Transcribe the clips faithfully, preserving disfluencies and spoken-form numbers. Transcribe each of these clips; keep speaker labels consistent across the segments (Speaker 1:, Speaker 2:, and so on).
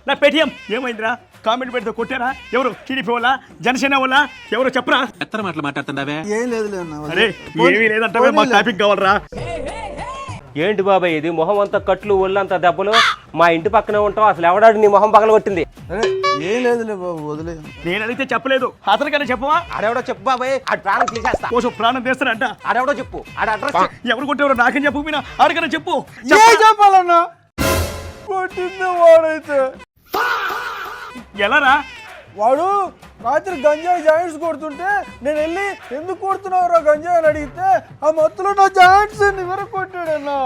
Speaker 1: నా పేటిఎం ఏమైందిరా? కామెంట్ పెడితే కొట్టారా? ఎవరు? టీడీపీ వాళ్ళ, జనసేన వాళ్ళ, ఎవరు చెప్పరా?
Speaker 2: ఎత్తర మాటలు మాట్లాడుతుండవే.
Speaker 3: ఏం లేదు
Speaker 1: అరే ఏమీ లేదంటే మాకు టాపిక్ కావాలరా.
Speaker 4: ఏంటి బాబాయ్ ఇది? మొహం అంతా కట్లు, ఒళ్ళంతా దెబ్బలు. మా ఇంటి పక్కనే ఉంటావు, అసలు ఎవడాడు నీ మొహం పగల కొట్టింది?
Speaker 3: ఏం లేదులే బాబు, వదిలే.
Speaker 1: నేను అడిగితే చెప్పలేదు, అతనికన్నా చెప్పవా?
Speaker 4: ఆడెవడో చెప్పు బాబాయ్, ఆ ప్రాణం తీసేస్తా.
Speaker 1: కోసం ప్రాణం తీస్తానంట.
Speaker 4: ఆడెవడో చెప్పు, ఆడ అడ్రస్
Speaker 1: ఎవరు కొట్టేవారు నాకేం చెప్పు, మీనా ఆడికన్నా చెప్పు.
Speaker 3: చెప్పాలన్నా కొట్టింది వాడైతే.
Speaker 1: ఎలారా?
Speaker 3: వాడు రాత్రి గంజాయి జాయింట్స్ కొడుతుంటే నేను వెళ్ళి ఎందుకు కొడుతున్నావురా గంజాయి అని అడిగితే ఆ మత్తులో నా జాయింట్స్ నివర కొట్టాడన్నా.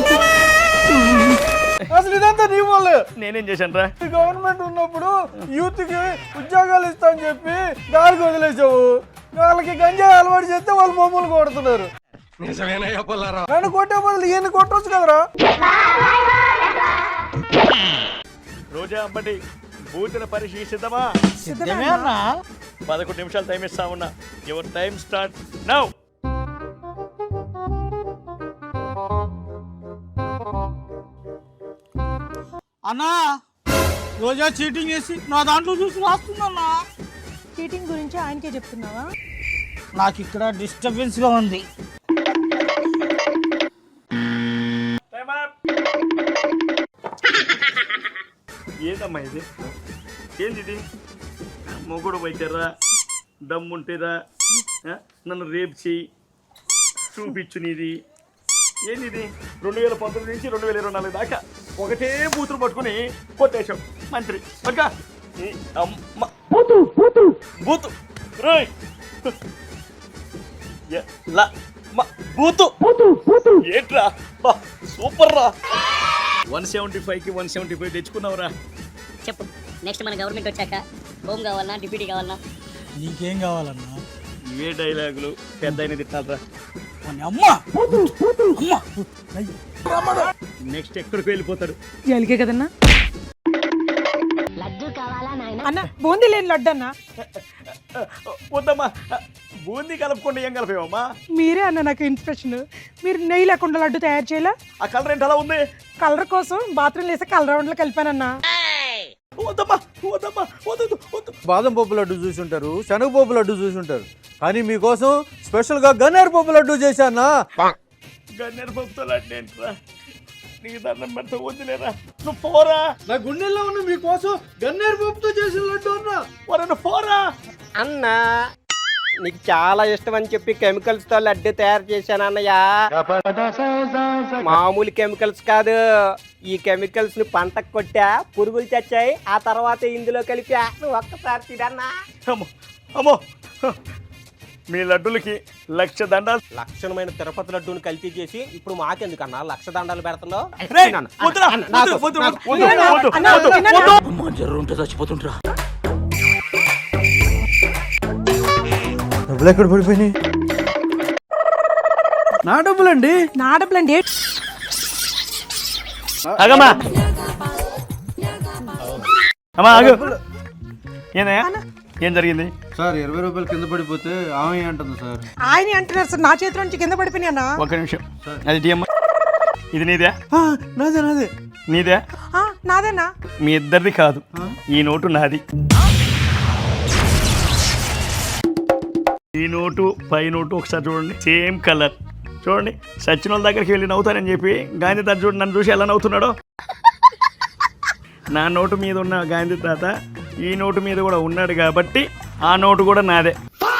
Speaker 3: అసలు ఇదంతా నీ వల్లే.
Speaker 1: నేనేం చేశాను రా?
Speaker 3: గవర్నమెంట్ ఉన్నప్పుడు యూత్ కి ఉద్యోగాలు ఇస్తా అని చెప్పి గాలికి వదిలేసావు. వాళ్ళకి గంజాయి అలవాటు చేస్తే వాళ్ళు మమ్మల్ని కొడుతున్నారు. నన్ను కొట్టే బదులు ఈయన కొట్టవచ్చు కదరా.
Speaker 1: రోజా అంబటి బూతుల పరీక్ష సిద్ధమా? పదకొండు నిమిషాలు టైం ఇస్తా ఉన్నా. Your time start now.
Speaker 5: అన్నా రోజా చీటింగ్ చేసి నా దాంట్లో చూసి రాస్తుందన్నా.
Speaker 6: చీటింగ్ గురించి ఆయనకే చెప్తున్నావా?
Speaker 5: నాకు ఇక్కడ డిస్టర్బెన్స్ గా ఉంది.
Speaker 1: ఏందమ్మా ఇది? ఏంది ఇది? మొగుడు పోయితేరా, దమ్ముంటేరా, నన్ను రేపు చెయ్యి చూపించు నీది. ఏంది ఇది? రెండు వేల పంతొమ్మిది నుంచి రెండు వేల ఇరవై నాలుగు దాకా ఒకటే బూతులు పట్టుకుని కొట్టేశాం మంత్రి. పక్క బూతు రోయ్ బూతు ఏంట్రా? సూపర్ రా. వన్ సెవెంటీ ఫైవ్ కి వన్ సెవెంటీ ఫైవ్ తెచ్చుకున్నావురా.
Speaker 7: చెప్పు, నెక్స్ట్ మన గవర్నమెంట్ వచ్చాక హోమ్ కావాలన్నా డిప్యూటీ కావాలన్నా?
Speaker 5: నీకేం కావాలన్నా?
Speaker 1: ఇవే డైలాగులు పెద్ద అయిన తిట్టాలరా. నెక్స్ట్ ఎక్కడికి వెళ్ళిపోతాడు?
Speaker 6: జైలుకే కదన్నా. అన్న బూందీ లేని లడ్డు అన్న.
Speaker 1: వద్దమ్మా, బూందీ కలుపుకుండా ఏం కలిపేవమ్మా?
Speaker 6: మీరే అన్న నాకు ఇన్స్పిరేషన్. మీరు నెయ్యి లేకుండా లడ్డు తయారు చేయాలా?
Speaker 1: ఆ కలర్ ఏంటి అలా ఉంది?
Speaker 6: కలర్ కోసం బాత్రూమ్ వేసే కలర్ రౌండ్ లో కలిపానన్నా.
Speaker 1: వద్దమ్మా వద్దమ్మా వద్దు వద్దు.
Speaker 3: బాదం పప్పు లడ్డు చూసి ఉంటారు, శనగపప్పు లడ్డు చూసి ఉంటారు, కానీ మీకోసం స్పెషల్ గా గన్నేరు పప్పు లడ్డు చేశానా.
Speaker 1: గన్నేరు పప్పుతో లడ్డు ఏంట్రా? నీకు దండం పెడితే వద్దులేరా. నువ్వు పోరా.
Speaker 3: నా గుండెల్లో ఉన్న మీకోసం గన్నేరు పప్పుతో చేసిన లడ్డు అన్నా.
Speaker 1: వరను పోరా.
Speaker 4: అన్నా నీకు చాలా ఇష్టం అని చెప్పి కెమికల్స్ తో లడ్డు తయారు చేశాను అన్నయ్య. మామూలు కెమికల్స్ కాదు, ఈ కెమికల్స్ ని పంటకు కొట్టా, పురుగులు చచ్చాయి, ఆ తర్వాత ఇందులో కలిపా. నువ్వు ఒక్కసారి తినన్నా.
Speaker 1: అమ్మో అమ్మో, మీ లడ్డులకి లక్ష దండాలు.
Speaker 4: లక్షణమైన తిరుపతి లడ్డూని కల్తీ చేసి ఇప్పుడు మాకెందుకన్నా లక్ష దండాలు పెడుతున్నావు?
Speaker 2: చచ్చిపోతుంటా.
Speaker 3: డబ్బులు ఎక్కడ పడిపోయినాయి? నా డబ్బులండి.
Speaker 6: నా డబ్బులండి.
Speaker 1: ఆగమ్మా అమ్మా ఆగు. ఏందయ్యా ఏం జరిగింది?
Speaker 3: సార్ ఇరవై రూపాయలు కింద పడిపోతే ఆమె అంటుంది సార్.
Speaker 6: ఆయన అంటున్నారు సార్, నా చేతిలో నుంచి కింద పడిపోయినా అన్న.
Speaker 1: ఒక నిమిషం. అది టీఎం. ఇది నీదే?
Speaker 3: నాదే నాదే.
Speaker 1: నీదే?
Speaker 6: నాదేనా?
Speaker 1: మీ ఇద్దరిది కాదు, ఈ నోటు నాది. ఈ నోటు పై నోటు ఒకసారి చూడండి, సేమ్ కలర్. చూడండి, సచిన వాళ్ళ దగ్గరికి వెళ్ళి నవ్వుతానని చెప్పి గాంధీ తాత చూడండి నన్ను చూసి ఎలా నవ్వుతున్నాడో. నా నోటు మీద ఉన్న గాంధీ తాత ఈ నోటు మీద కూడా ఉన్నాడు కాబట్టి ఆ నోటు కూడా నాదే.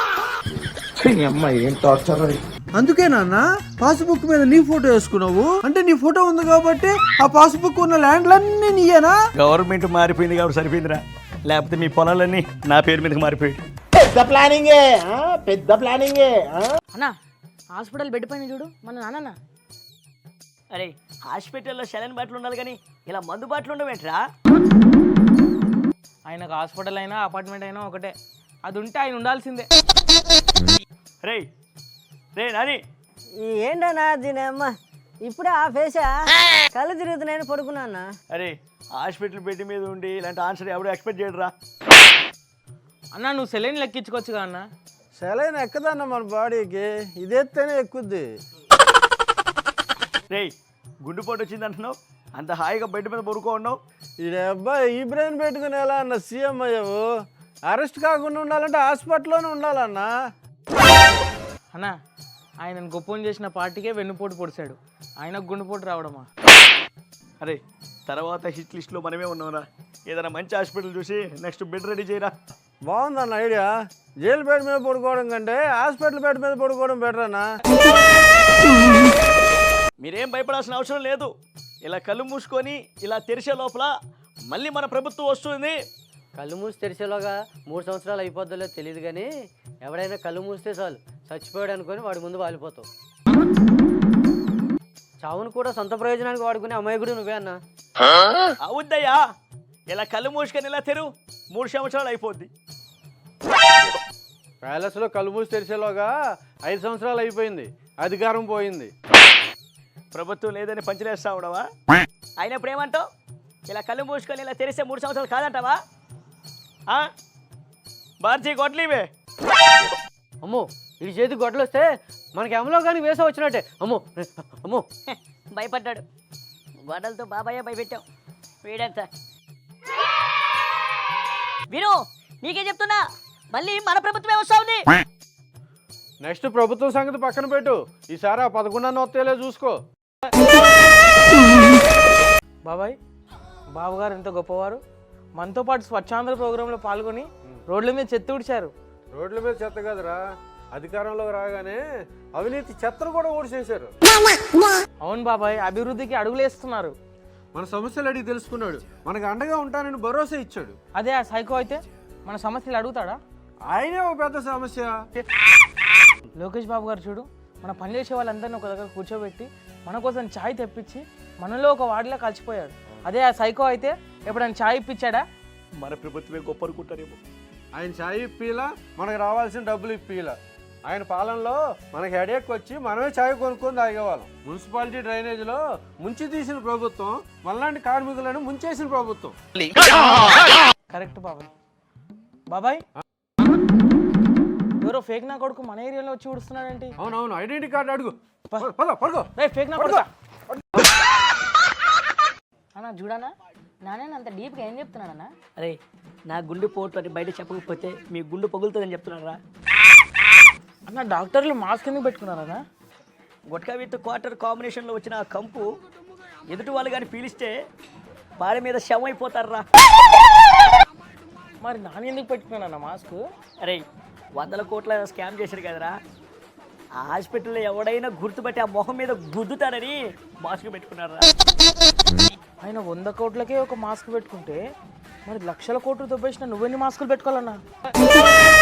Speaker 3: అందుకే నాన్న పాస్బుక్ మీద నీ ఫోటో వేసుకున్నావు. అంటే నీ ఫోటో ఉంది కాబట్టి ఆ పాస్బుక్ ఉన్న ల్యాండ్లన్నీ నీయేనా?
Speaker 1: గవర్నమెంట్ మారిపోయింది కాబట్టి సరిపోయిందిరా, లేకపోతే మీ పొలాలన్నీ నా పేరు మీదకి మారిపోయాయి.
Speaker 5: పెద్ద ప్లానింగే, పెద్ద ప్లానింగే.
Speaker 8: అన్నా హాస్పిటల్ బెడ్ పైన చూడు మన నాన్న.
Speaker 7: అరే హాస్పిటల్లో సెలైన్ బాటిల్ ఉండాలి కానీ ఇలా మందు బాటిల్ ఉండవేంట్రా?
Speaker 8: ఆయనకు హాస్పిటల్ అయినా అపార్ట్మెంట్ అయినా ఒకటే, అది ఉంటే ఆయన ఉండాల్సిందే.
Speaker 1: రే రే నాని
Speaker 9: ఏంటన్నా దీని అమ్మ ఇప్పుడే ఆ ఫేసా కళ్ళు తిరుగుతున్నాయని పడుకున్నా.
Speaker 1: అరే హాస్పిటల్ బెడ్ మీద ఉండి ఇలాంటి ఆన్సర్ ఎవరు ఎక్స్పెక్ట్ చేయడరా?
Speaker 8: అన్నా నువ్వు సెలైన్ లెక్కించుకోవచ్చుగా అన్న.
Speaker 3: సెలైన్ ఎక్కదన్న మన బాడీకి, ఇదేస్తేనే ఎక్కుద్ది.
Speaker 1: రే గుండెపోటు వచ్చింది అంటున్నావు, అంత హాయిగా బయట మీద పడుకో ఉన్నావు.
Speaker 3: ఈ అబ్బాయి ఈ బ్రెయిన్ పెట్టుకుని ఎలా అన్న సీఎం అయ్యావు? అరెస్ట్ కాకుండా ఉండాలంటే హాస్పిటల్లోనే ఉండాలన్నా.
Speaker 8: అన్న ఆయన గొప్పని చేసిన పార్టీకే వెన్నుపోటు పొడిచాడు, ఆయనకు గుండెపోటు రావడమా?
Speaker 1: అరే తర్వాత హిట్ లిస్ట్లో మనమే ఉన్నావురా. ఏదైనా మంచి హాస్పిటల్ చూసి నెక్స్ట్ బెడ్ రెడీ చేయరా.
Speaker 3: బాగుందన్న ఐడియా. జైలు బెడ్ మీద పడుకోవడం కంటే హాస్పిటల్ బెడ్ మీద పడుకోవడం బెటర్ అన్నా.
Speaker 1: మీరేం భయపడాల్సిన అవసరం లేదు. ఇలా కళ్ళు మూసుకొని ఇలా తెరిచే లోపల మళ్ళీ మన ప్రభుత్వం వస్తుంది.
Speaker 9: కళ్ళు మూసి తెరిచేలోగా మూడు సంవత్సరాలు అయిపోద్దో తెలియదు కానీ ఎవడైనా కళ్ళు మూస్తే చాలు చచ్చిపోయాడు అనుకొని వాడి ముందు వాలిపోతావు. చావును కూడా సొంత ప్రయోజనానికి వాడుకునే అమాయకుడు నువ్వే అన్నా.
Speaker 1: అవుద్దయ్యా, ఇలా కళ్ళు మూసుకొని ఇలా తెరు, మూడు సంవత్సరాలు అయిపోద్ది.
Speaker 3: ప్యాలెస్లో కళ్ళు మూసి తెరిచేలోగా ఐదు సంవత్సరాలు అయిపోయింది, అధికారం పోయింది.
Speaker 1: ప్రభుత్వం లేదని పంచలేస్తా ఉండవా? అయినప్పుడు ఏమంటావు? ఇలా కళ్ళు మూసుకొని ఇలా తెరిస్తే మూడు సంవత్సరాలు కాదంటావా? బార్జీ కొట్లీవే.
Speaker 9: అమ్మో ఇటు చేతి గొడ్డలు వస్తే మనకి ఎమలో కానీ వేసా వచ్చినట్టే. అమ్మో అమ్మో
Speaker 7: భయపడ్డాడు. గొడవలతో బాబాయే భయపెట్టాం. వీడంతా విను, నీకే చెప్తున్నా, మళ్ళీ మన ప్రభుత్వమే వస్తా ఉంది.
Speaker 3: నెక్స్ట్ ప్రభుత్వం సంగతి పక్కన పెట్టు, ఈసారి ఆ పదకొండన్న వస్తేలే చూసుకో.
Speaker 8: బాబాయ్ బాబుగారు ఎంత గొప్పవారు. మనతో పాటు స్వచ్ఛాంధ్ర ప్రోగ్రాంలో పాల్గొని రోడ్ల మీద చెత్త ఊడ్చారు.
Speaker 3: రోడ్ల మీద చెత్త కదరా, అధికారంలోకి రాగానే అవినీతి చెత్తను కూడా ఊడ్చేశారు.
Speaker 8: అవును బాబాయ్, అభివృద్ధికి అడుగులేస్తున్నారు.
Speaker 3: మన సమస్యలు అడిగి తెలుసుకున్నాడు, మనకు అండగా ఉంటానని భరోసా ఇచ్చాడు.
Speaker 8: అదే ఆ సైకో అయితే మన సమస్యలు అడుగుతాడా?
Speaker 3: ఆయనే ఒక పెద్ద సమస్య.
Speaker 8: లోకేష్ బాబు గారు చూడు, మన పనిచేసే వాళ్ళందరినీ ఒక దగ్గర కూర్చోబెట్టి మన కోసం ఛాయ్ తెప్పించి మనలో ఒక వాడిలా కలిసిపోయాడు. అదే ఆ సైకో అయితే ఎప్పుడైనా ఛాయ్ ఇప్పించాడా?
Speaker 1: మన ప్రభుత్వమే గొప్ప అనుకుంటారేమో.
Speaker 3: ఆయన ఛాయ్ ఇప్పిలా, మనకు రావాల్సిన డబ్బులు ఇప్పిలా. ఆయన పాలనలో మనకి హెడేక్ వచ్చి మనమే ఛాయ్ కొనుక్కొని తాగేవాళ్ళం. మున్సిపాలిటీ డ్రైనేజీలో ముంచి తీసిన ప్రభుత్వం, మనలాంటి కార్మికులను ముంచేసిన ప్రభుత్వం.
Speaker 8: కరెక్ట్ బాబాయ్. బాబాయ్ ఎవరో ఫేక్ నా కొడుకు మన ఏరియాలో వచ్చి ఊడుస్తున్నాడేంటి?
Speaker 3: అవునవును, ఐడెంటిటీ కార్డు అడుగు. పడుకో.
Speaker 8: ఫేక్ నా కొడుకు
Speaker 7: అన్న చూడనా, నాన్న అంత డీప్గా ఏం చెప్తున్నాడన్నా? అరే నా గుండె పోటు అని బయట చెప్పకపోతే మీ గుండె పగులుతుందని చెప్తున్నారా?
Speaker 8: అన్న డాక్టర్లు మాస్క్ ఎందుకు పెట్టుకున్నారన్నా?
Speaker 7: గుట్కా విత్ క్వార్టర్ కాంబినేషన్లో వచ్చిన ఆ కంపు ఎదుటి వాళ్ళు కానీ పీలిస్తే పాడ మీద శవం అయిపోతారా.
Speaker 8: మరి నాన్న ఎందుకు పెట్టుకున్నానన్న మాస్క్?
Speaker 7: అరే వందల కోట్ల స్కామ్ చేశారు కదరా, ఆ హాస్పిటల్లో ఎవడైనా గుర్తుపట్టి ఆ మొహం మీద గుద్దుతారని మాస్క్ పెట్టుకున్నారా.
Speaker 8: ఆయన వంద కోట్లకే ఒక మాస్క్ పెట్టుకుంటే మరి లక్షల కోట్లు దొబ్బేసిన నువ్వెన్ని మాస్కులు పెట్టుకోవాలన్నా?